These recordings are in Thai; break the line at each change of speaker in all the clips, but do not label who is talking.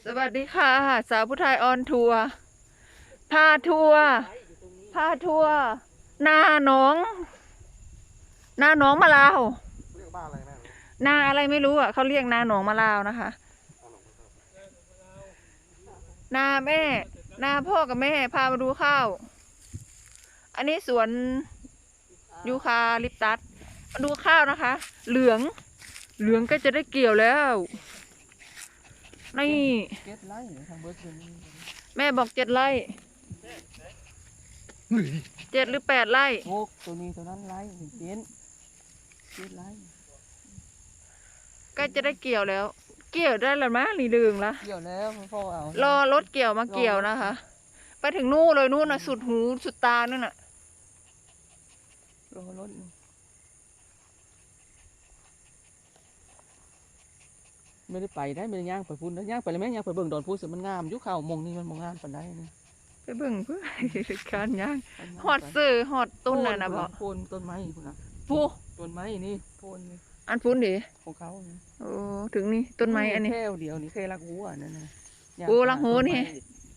สวัสดีค่ะสาวผู้ไทยออนทัวร์พาทัวร์นาหนองมะลาว
เรียกบ้านอะไรแม่
นาอะไรไม่รู้อ่ะเขาเรียกนาหนองมะลาวนะคะนาแม่นาพ่อกับแม่พามาดูข้าวอันนี้สวนยูคาลิปตัสมาดูข้าวนะคะ เหลืองก็จะได้เกี่ยวแล้วนี่แม่บอก7 ไร่7 หรือ 8 ไร่
ตัวนี้ตัวนั้นไร่เจ็ดไร่
ก็จะได้เกี่ยวแล้ว เกี่ยวได้แล้วมั้ยนี่ดึงละ
เกี่ยวแล้วพ่อเอา
รอรถเกี่ยวมาเกี่ยวนะคะไปถึงนู่นเลยนู่นน่ะสุดหูสุดตานั่นน่ะ
รอรถไม่ได้ไปได้ไม่ได้ย่างไปพุ่นย่างไปเลยแม่ย่างไปเบิ่งดอนพูดสิมันงามยุคข่าวมงนี่มันมงงามปานใดนี่
ไปเบิ่งเพื่อการย่างฮอดซื้อฮอดต้นน่ะนะบ่
โคนต้นไม้พุ่นน่ะ
ผู้
ต้นไม้นี่โคนนี่
อันพุ่นดิ
ของเขา
โอ้ถึงนี่ต้นไม้อันนี้
แค่เดียวนี่แค่ลักหัวนั่นน่ะ
โอ้ลักหัวนี่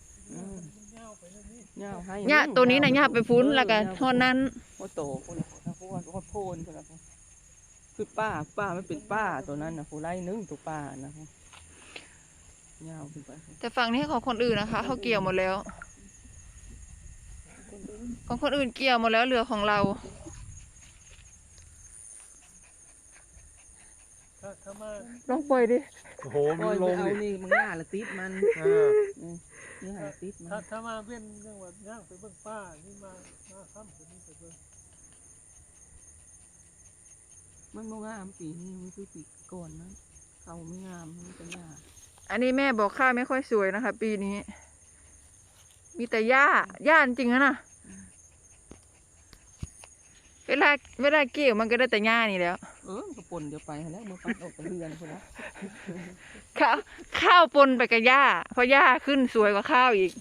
หญ้า
ตัวนี้น่ะหญ้าไปพุ่นแล้วก็ฮอดนั้น
โอ้โตพุ่นน่ะพวกโพนพุ่นน่ะคือป้าไม่เป็นป้าตัวนั้นน่ะผู้ไล่นึงตัวป้านะยาวขึ้นไป
แต่ฝั่งนี้ของคนอื่นนะคะเขาเกี่ยวหมดแล้วของคนอื่นเกี่ยวหมดแล้วเหลือของเราลองปล่อยดิ
โอ้โหมีลง
ดินี่มันง่าละติดมันนี่หาติดมัน
ถ้ามาเว้นเรื่องว่าย่างไปเบิ่งป้านี่มาค่ำตัวนี้ไปเบิ่ง
มันโมงามปีนี้มันคือปีก่อนนะเขาไม่งามมันเป็นหญ้า
อันนี้แม่บอกข้าวไม่ค่อยสวยนะคะปีนี้มีแต่หญ้าจริงๆนะเวลาเกี่ยวมันก็ได้แต่หญ้านี่แล้ว
กระปนเดี๋ยวไปแล้วมือฟันออกกระเรือนคนละ
ข้าวปนไปกับหญ้าเพราะหญ้าขึ้นสวยกว่าข้าวอีก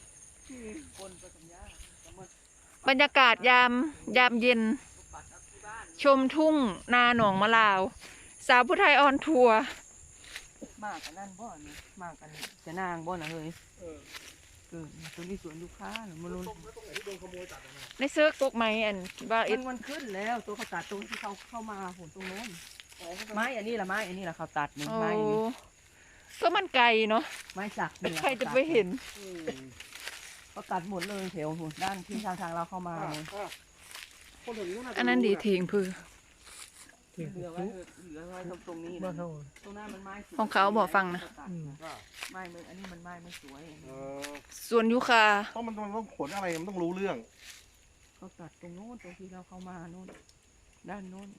บรรยากาศยามเย็นชมทุ่งนาหนองมะลาวสาวผู้ไทยออนทัวร์
มากกันนั่นบ่เนี่ยมากกันจะนางบ่นะเฮ้ยตัวนี้สวนลูกค้าหรือมาลุ้น
ในเสื้อกกไม้อันบ้า
มันขึ้นแล้วตัวเขาตัดตรงที่เขาเข้ามาผลตรงโน้นไม้อันนี้ละไม้อันนี้ละเขาตัดหนึ่งไม้
ก็มันไกลเนาะ
ไม้สัก
ใครจะไปเห็น
เขาตัดหมดเลยแถวด้านที่ทางเราเข้ามา
อันนั้นดีทิ้งพื้น
เหลือไว้ตรงนี้ตรงหน้ามันไม้
ของเขาบอกฟังนะ
ไม้อันนี้มันไม้ไม่สวย
ส่วนยูคา
เพราะมันต้องขนอะไรมันต้องรู้เรื่อง
เขาตัดตรงโน้นตรงที่เราเข้ามาโน้นด้านโน้น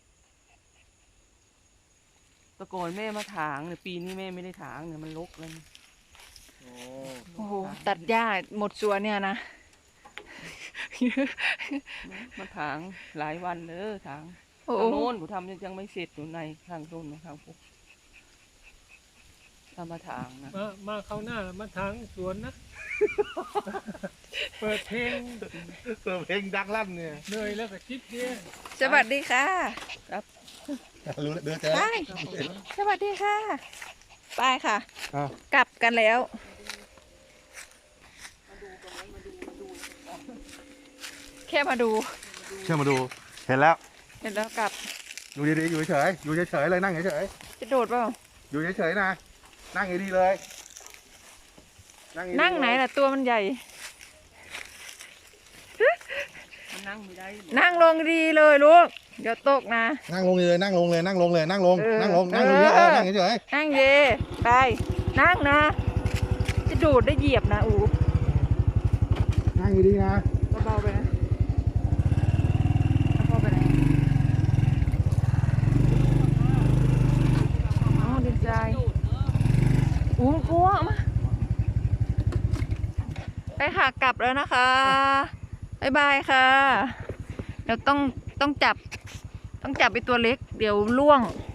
ตะโกนแม่มาถางเนี่ยปีนี้แม่ไม่ได้ถางเนี่ยมันรกเลย
โอ้โหตัดหญ้าหมดสวนเนี่ยนะ
มาถางหลายวันเลยถางโน้นผมทำยังไม่เสร็จอยู่ในทางโน้นทางพวกทำมาถางนะ
มาเข้าหน้ามาถางสวนนะเปิดเพลง
ดังลั่นเนี่ย
เหนื่อยแล้วก็คิดเนี่ย
สวัสดีค่ะ
ครับ
รู้เดือดเจอ
สวัสดีค่ะไปค่ะกลับกันแล้วแค่มาดู
เห็นแล้ว
กลับ
อยู่ดีๆอยู่เฉยเลยนั่งเฉย
จะโดดเปล่า
อยู่เฉยๆนะนั่งดีๆเลย
นั่งไหนล่ะตัวมันใหญ่
นั่งไม่ได้
นั่งลงดีเลยลูกเดี๋ยวตกนะ
นั่งลงเลยนั่งลงเยอะนั่งเฉยนั่ง
เย่ไปนั่งนะจะโดดได้เหยียบนะ
นั่งดีๆนะ
เบาๆไปนะพอไปไหนดีใจกลัวมาไปค่ะกลับแล้วนะคะบ๊ายบายค่ะเดี๋ยวต้องจับไปตัวเล็กเดี๋ยวล่วง